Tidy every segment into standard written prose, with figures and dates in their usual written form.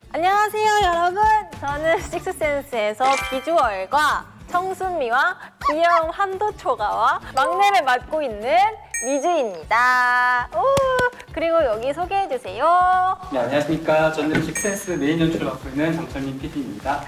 안녕하세요, 여러분. 저는 식스센스에서 비주얼과 청순미와 귀여움 한도초가와 막내를 맡고 있는 리즈입니다. 오, 그리고 여기 소개해주세요. 네, 안녕하십니까. 저는 식센스 메인 연출을 맡고 있는 정철민 PD입니다.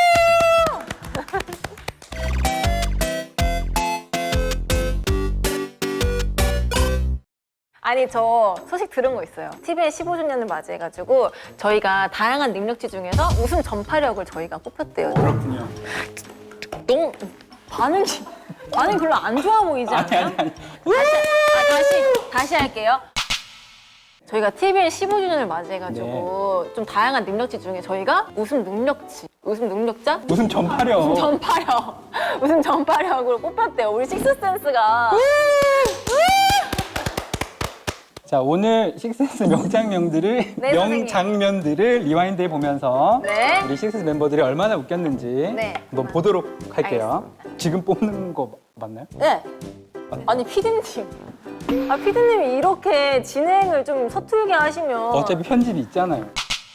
아니, 저 소식 들은 거 있어요. TVN 15주년을 맞이해가지고 저희가 다양한 능력치 중에서 우승 전파력을 저희가 뽑혔대요. 그렇군요. 너무 반응이 별로 안 좋아 보이지 않아요? 아니. 다시 할게요. 저희가 TVN 15주년을 맞이해가지고 좀 다양한 능력치 중에 저희가 우승 능력자? 무슨 전파력. 우승 전파력으로 뽑혔대요. 우리 식스센스가. 자, 오늘 식센스 명장면들을 네, 선생님. 명장면들을 리와인드해 보면서 네. 우리 식센스 멤버들이 얼마나 웃겼는지 네. 한번 보도록 할게요. 지금 뽑는 거 맞나요? 네. 아니, 피디님. 피디님이 이렇게 진행을 좀 서툴게 하시면. 어차피 편집이 있잖아요.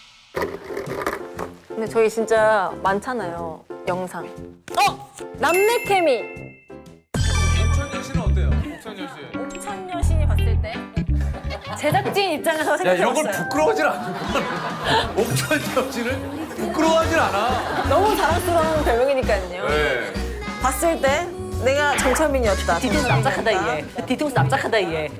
근데 저희 진짜 많잖아요, 영상. 남매 케미. 옥천여 씨는 어때요? 옥천여 씨. 옥천 여신이 봤을 때 제작진 입장에서 야 이런 걸 생각해봤어요. 부끄러워하질 않는 옥천여 씨는 부끄러워하질 않아. 너무 자랑스러운 별명이니까요. 네. 봤을 때 내가 정철민이었다. 뒤통수 납작하다 얘. 뒤통수 납작하다 얘.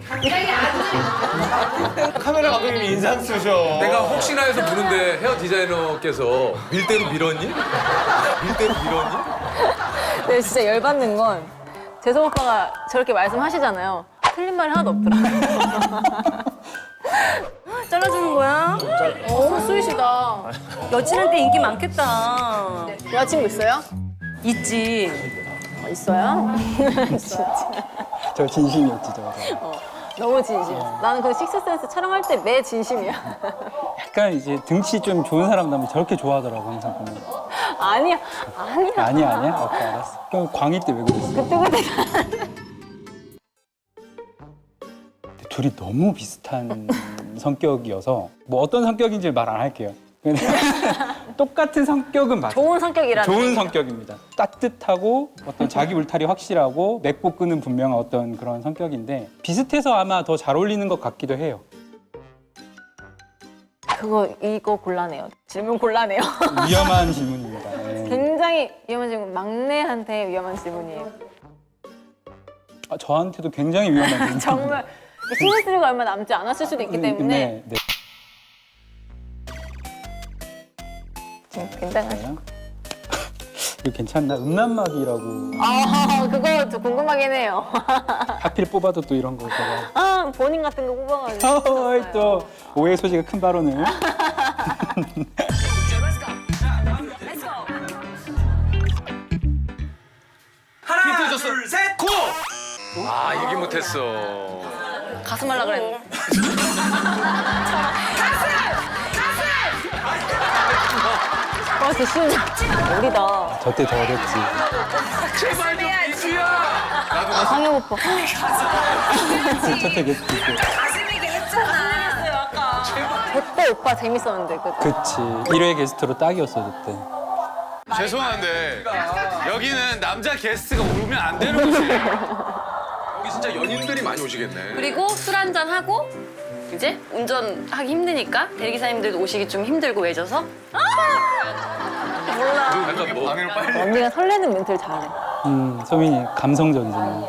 카메라 감독님이 인상 쓰셔. 내가 혹시나 해서 묻는데 헤어 디자이너께서 밀대로 밀었니? 밀대로 밀었니? 네, 진짜 열받는 건 재성 오빠가 저렇게 말씀하시잖아요. 틀린 말이 하나도 없더라고요. 잘라주는 거야? 너무 스윗이다. 여친한테 인기 많겠다. 여자친구 있어요? 있지. 있어요? 저 진심이었지, 저거. 너무 진심이었어. 나는 그 식스센스 촬영할 때 매 진심이야. 약간 이제 등치 좀 좋은 사람 나면 저렇게 좋아하더라고, 항상 보면. 아니야. 아니야? 오케이, 알았어. 그럼 광희 때 왜 그랬어? 그때 둘이 너무 비슷한 성격이어서 뭐 어떤 성격인지 말 안 할게요. 근데 똑같은 성격은 맞아요. 좋은 성격이라는 좋은 얘기죠. 성격입니다. 따뜻하고 어떤 자기 울타리 확실하고 맺고 끄는 분명한 어떤 그런 성격인데 비슷해서 아마 더 잘 어울리는 것 같기도 해요. 이거 곤란해요. 질문 곤란해요. 위험한 질문입니다. 네. 굉장히 위험한 질문. 막내한테 위험한 질문이에요. 저한테도 굉장히 위험한 질문. 정말 시즌3가 얼마 남지 않았을 수도 있기 때문에 네. 지금 굉장하죠. 네. 이거 괜찮나? 음란막이라고 그거 좀 궁금하긴 해요. 하필 뽑아도 또 이런 거 제가 본인 같은 거 뽑아가지고. 또 오해 소지가 큰 발언을. 힌트 줬어. 둘, 셋, 고! 아 얘기 못했어. 가슴 하려고 그랬는데. 가슴! 쉬운 어리다. 저 때 더 어렸지. 제발 좀 이수야. 나도 상혁 오빠. 저때 그때. 그때 오빠 재밌었는데. 그치. 1회 게스트로 딱이었어 그때. 죄송한데 여기는 남자 게스트가 오면 안 되는 곳이에요. 여기 진짜 연인들이 많이 오시겠네. 그리고 술 한잔 하고 이제 운전하기 힘드니까 대리기사님들도 오시기 좀 힘들고 외져서 약간 뭐 반응을 빨리. 언니가 설레는 멘트를 잘해. 소민이 감성적이잖아.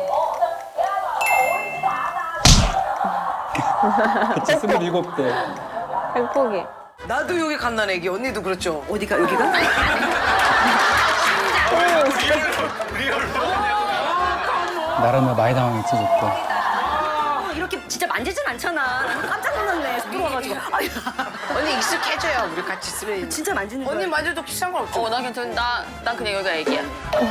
그치, 27대. 행복이. 나도 여기 갓난 애기. 언니도 그렇죠. 어디가 여기가? 나랑 많이 당황했지, 저때. 이렇게 진짜 만지진 않잖아. 깜짝 놀랐네. 속 들어와가지고. 언니 익숙해져요. 우리 같이 쓰면. 진짜 만지는 거야. 언니 만져도 비싼 건 없죠. 나 괜찮. 난 그냥 여기가 애기야.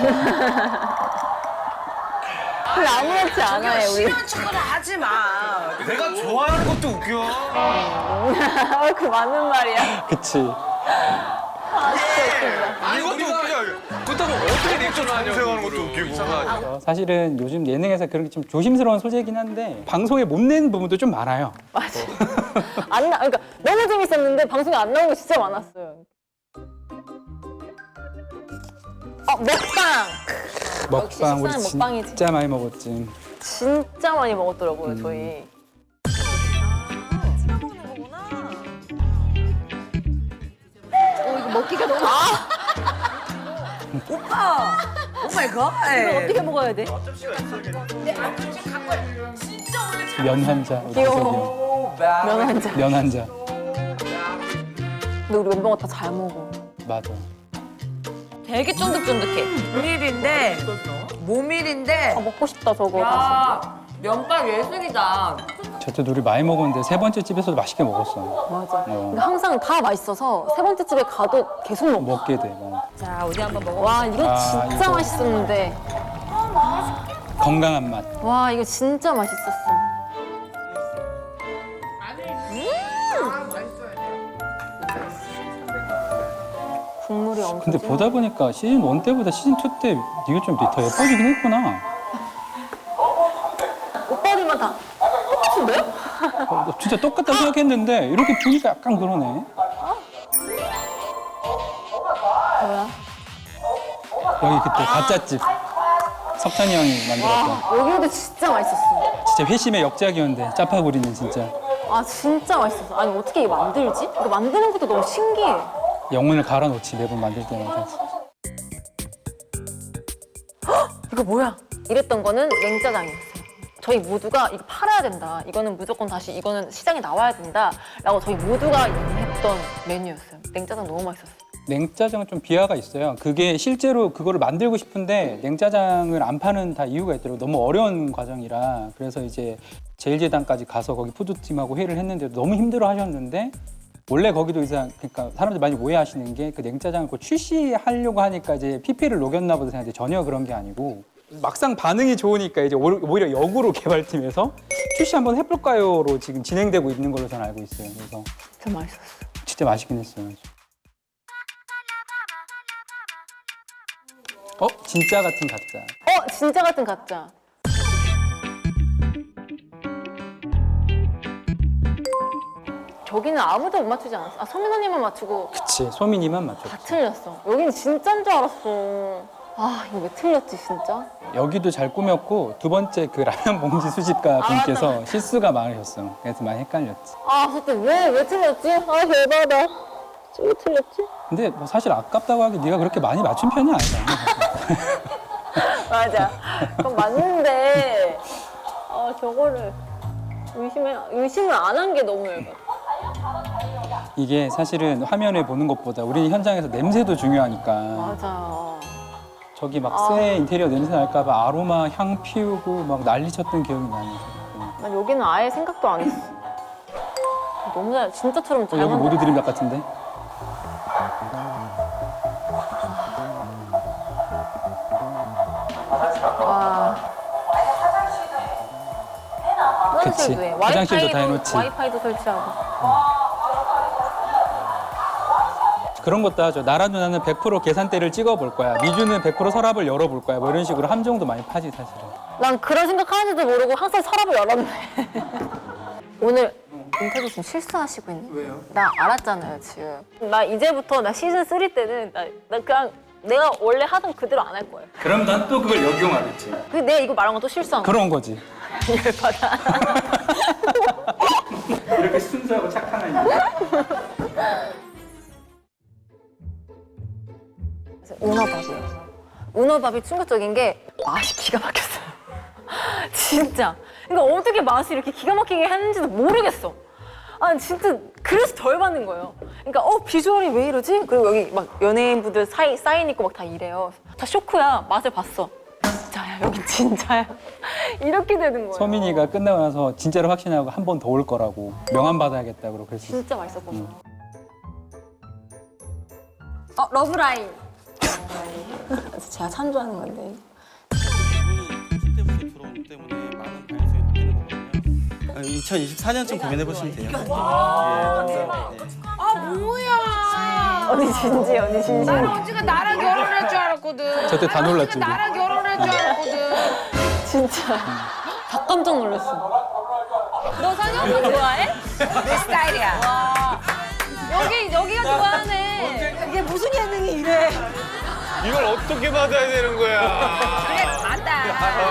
근데 아무렇지 않아요, 우리. 싫어하는 척은 하지 마. 내가 좋아하는 것도 웃겨. 그 맞는 말이야. 그치. 이것도 웃기죠. 그렇다고 어떻게 리액션을 하냐고. 생각하는 것도 웃기고. 이상하죠. 사실은 요즘 예능에서 그런 게 좀 조심스러운 소재이긴 한데 방송에 못 낸 부분도 좀 많아요. 맞아. 그러니까 너무 재밌었는데 방송에 안 나온 거 진짜 많았어요. 먹방. 먹방 우리 식사는 먹방이지. 진짜 많이 먹었지. 진짜 많이 먹었더라고요, 저희. 오마이 갓. 어떻게 먹어야 돼? 면 한자. 귀여워. 면 한 잔. 면 한자. 근데 우리 멤버가 다 잘 먹어. 맞아. 되게 쫀득쫀득해. 모밀인데 모밀인데 먹고 싶다, 저거. 야, 면발 예술이다. 저도 우리 많이 먹었는데 세 번째 집에서도 맛있게 먹었어. 맞아. 그러니까 항상 다 맛있어서 세 번째 집에 가도 계속 먹어. 먹게 돼. 자, 우리 한번 먹어. 와, 이거 아, 진짜 이거. 맛있었는데. 건강한 맛. 와, 이거 진짜 맛있었어. 국물이 엄청. 근데 보다 보니까 시즌 1 때보다 시즌 2 때 네가 좀 더 예뻐지긴 했구나. 오빠들만 다 똑같은데? 진짜 똑같다고 생각했는데 이렇게 보니까 약간 그러네. 뭐야? 여기 그때 가짜집 석찬이 형이 만들었던 여기도 진짜 맛있었어. 진짜 회심의 역작이었는데 짜파구리는 진짜 아, 진짜 맛있었어. 아니, 어떻게 이거 만들지? 이거 만드는 것도 너무 신기해. 영혼을 갈아놓지 매번 만들 때마다. 이거 뭐야? 이랬던 거는 냉짜장이었어요. 저희 모두가 이거 팔아야 된다. 이거는 무조건 다시 이거는 시장에 나와야 된다. 라고 저희 모두가 했던 메뉴였어요. 냉짜장 너무 맛있었어요. 냉짜장은 좀 비하가 있어요. 그게 실제로 그거를 만들고 싶은데 냉짜장을 안 파는 다 이유가 있더라고요. 너무 어려운 과정이라. 그래서 이제 제일재단까지 가서 거기 푸드팀하고 회의를 했는데 너무 힘들어 하셨는데 원래 거기도 이상 그러니까 사람들이 많이 오해하시는 게 그 냉짜장을 그 출시하려고 하니까 이제 PP를 녹였나 보다 생각했는데 전혀 그런 게 아니고 막상 반응이 좋으니까 이제 오히려 역으로 개발팀에서 출시 한번 해볼까요로 지금 진행되고 있는 걸로 저는 알고 있어요. 그래서 진짜 맛있었어. 진짜 맛있긴 했어요. 진짜 같은 가짜. 진짜 같은 가짜. 저기는 아무도 못 맞추지 않았어. 아, 서민 언니만 맞추고 그치, 소민이만 맞죠. 다 틀렸어. 여기는 진짜인 줄 알았어. 아, 이거 왜 틀렸지, 진짜? 여기도 잘 꾸몄고 두 번째 그 라면 봉지 수집가 분께서 맞다. 실수가 많으셨어. 그래서 많이 헷갈렸지. 아, 그때 왜 틀렸지? 아, 대박이다. 왜 틀렸지? 근데 뭐 사실 아깝다고 하기 네가 그렇게 많이 맞춘 편이 아니잖아. 맞아. 그건 맞는데, 저거를 의심을 안 한 게 너무 열받아. 이게 사실은 화면에 보는 것보다 우리 현장에서 냄새도 중요하니까 맞아. 저기 막 새 인테리어 냄새 날까 봐 아로마 향 피우고 막 난리 쳤던 기억이 나네. 난 여기는 아예 생각도 안 했어. 너무 잘, 진짜처럼 잘 여기 만들었어. 모두 드림닭 같은데? 와. 그치. 화장실도 해. 화장실도 다 해놓지. 와이파이도 설치하고. 그런 것도 하죠. 나라 누나는 100% 계산대를 찍어볼 거야. 미주는 100% 서랍을 열어볼 거야. 뭐 이런 식으로 함정도 많이 파지 사실은. 난 그런 생각 하는지도 모르고 항상 서랍을 열었네. 오늘 인터뷰 지금 실수하시고 있네. 왜요? 나 알았잖아요, 지금. 나 이제부터 나 시즌 3 때는 나 그냥 내가 원래 하던 그대로 안 할 거예요. 그럼 난 또 그걸 역용하겠지. 근데 내가 이거 말한 건 또 실수한 거야. 그런 거지. 열받아. 이렇게 순수하고 착한 아이. 은어밥이에요. 은어밥이 충격적인 게 맛이 기가 막혔어요. 진짜. 그러니까 어떻게 맛이 이렇게 기가 막히게 했는지도 모르겠어. 아, 진짜 그래서 덜 받는 거예요. 그러니까 비주얼이 왜 이러지? 그리고 여기 막 연예인분들 사인 있고 막 다 이래요. 다 쇼크야. 맛을 봤어. 진짜야, 여긴 진짜야. 이렇게 되는 거예요. 서민이가 끝나고 나서 진짜로 확신하고 한 번 더 올 거라고 명함 받아야겠다고 그랬어. 진짜 맛있었거든요. 러브라인. 제가 참조하는 건데. 실제부터 들어오기 때문에 많은 가능성이 바뀌는 거거든요. 2024년쯤 고민해 보시면 돼요. 예, 남자. 아 뭐야 언니 진지, 언니 진지. 언니가 나랑 결혼할 줄 알았거든. 저때 다 놀랐죠. 우리. 나랑 결혼할 줄 알았거든. 진짜. 다 깜짝 놀랐어. 너 상영도 좋아해? 내 스타일이야. 와. 여기가 좋아하네. 이게 무슨 예능이 이래. 이걸 어떻게 받아야 되는 거야? 그래, 맞다.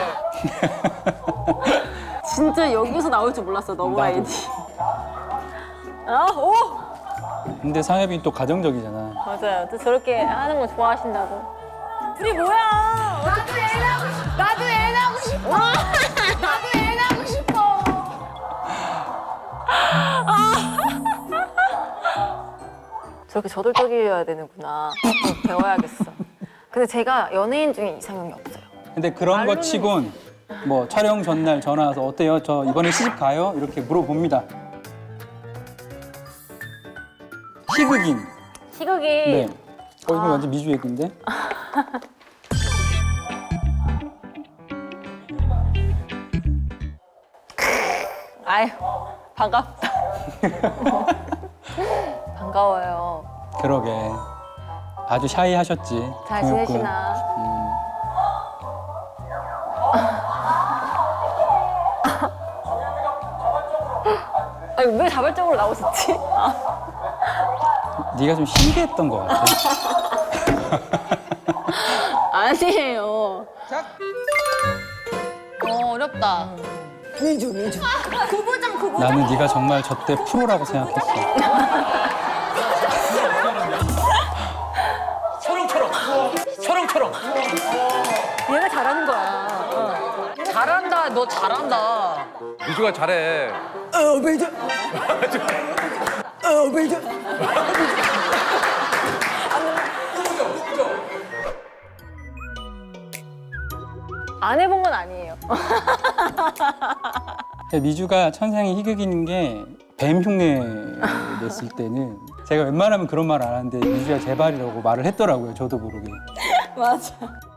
진짜 여기서 나올 줄 몰랐어, 너무 나도. 아이디. 아, 오! 근데 상엽이 또 가정적이잖아. 맞아요. 또 저렇게 하는 거 좋아하신다고. 둘이 뭐야? 나도 애 낳고 싶어. 나도 애 낳고 싶어. 나도 애 낳고 싶어. 저렇게 저돌적이어야 되는구나. 배워야겠어. 근데 제가 연예인 중에 이상형이 없어요. 근데 그런 거 치곤 뭐 촬영 전날 전화 와서 어때요? 저 이번에 시집 가요? 이렇게 물어봅니다. 희극인. 희극이 네. 이거 완전 미주 얘기인데. 아유 반갑다. 반가워요. 그러게. 아주 샤이하셨지. 잘 동혁군. 지내시나? 아니 왜 자발적으로 나오셨지? 네가 좀 신기했던 것 같아. 아니에요. 어렵다. 나는 네가 정말 저때 프로라고 생각했어. 얘가 잘하는 거야. 잘한다. 너 잘한다. 미주가 잘해. 안 해본 건 아니에요. 미주가 천상의 희극인 게 뱀 흉내 냈을 때는 제가 웬만하면 그런 말 안 하는데 미주야 제발이라고 말을 했더라고요. 저도 모르게. 맞아.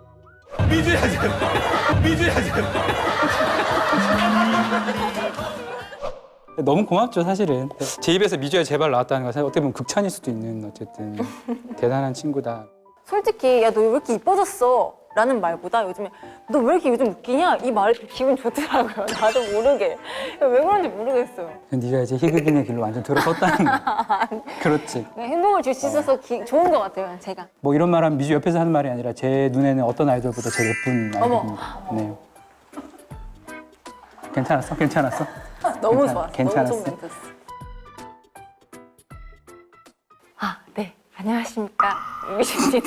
너무 고맙죠, 사실은. 제 입에서 미주야 제발 나왔다는 것은 어떻게 보면 극찬일 수도 있는 어쨌든 대단한 친구다. 솔직히 야 너 왜 이렇게 이뻐졌어? 라는 말보다 요즘에 너 왜 이렇게 요즘 웃기냐? 이 말 기분 좋더라고요. 나도 모르게. 왜 그런지 모르겠어요. 네가 이제 희극인의 길로 완전 들어섰다는 거. 그렇지. 그냥 행복을 줄 수 있어서 좋은 것 같아요, 제가. 뭐 이런 말하면 미주 옆에서 하는 말이 아니라 제 눈에는 어떤 아이돌보다 제일 예쁜 아이돌입니다. 네. 괜찮았어? 괜찮았어? 너무 괜찮아, 좋았어. 괜찮았어. 너무 좋은 멘트였어. 아, 네. 안녕하십니까. 유미입니다.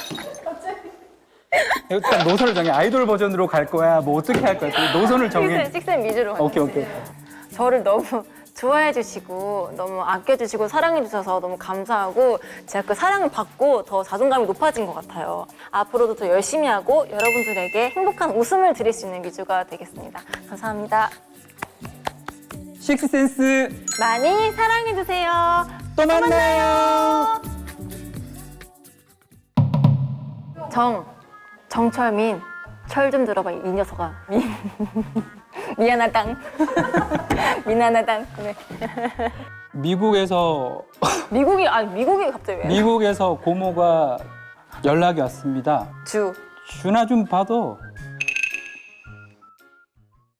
일단 노선을 정해. 아이돌 버전으로 갈 거야? 뭐 어떻게 할 거야? 노선을 정해. 식센 미주로 오케이, 가겠습니다. 오케이. 저를 너무 좋아해 주시고 너무 아껴 주시고 사랑해 주셔서 너무 감사하고 제가 그 사랑을 받고 더 자존감이 높아진 것 같아요. 앞으로도 더 열심히 하고 여러분들에게 행복한 웃음을 드릴 수 있는 미주가 되겠습니다. 감사합니다. 식스센스 많이 사랑해 주세요. 또 만나요. 정철민, 철 좀 들어봐 이 녀석아. 미안하당. 미안하당. 네. 미국에서 미국이 갑자기 왜? 미국에서 고모가 연락이 왔습니다. 주. 준아 좀 봐도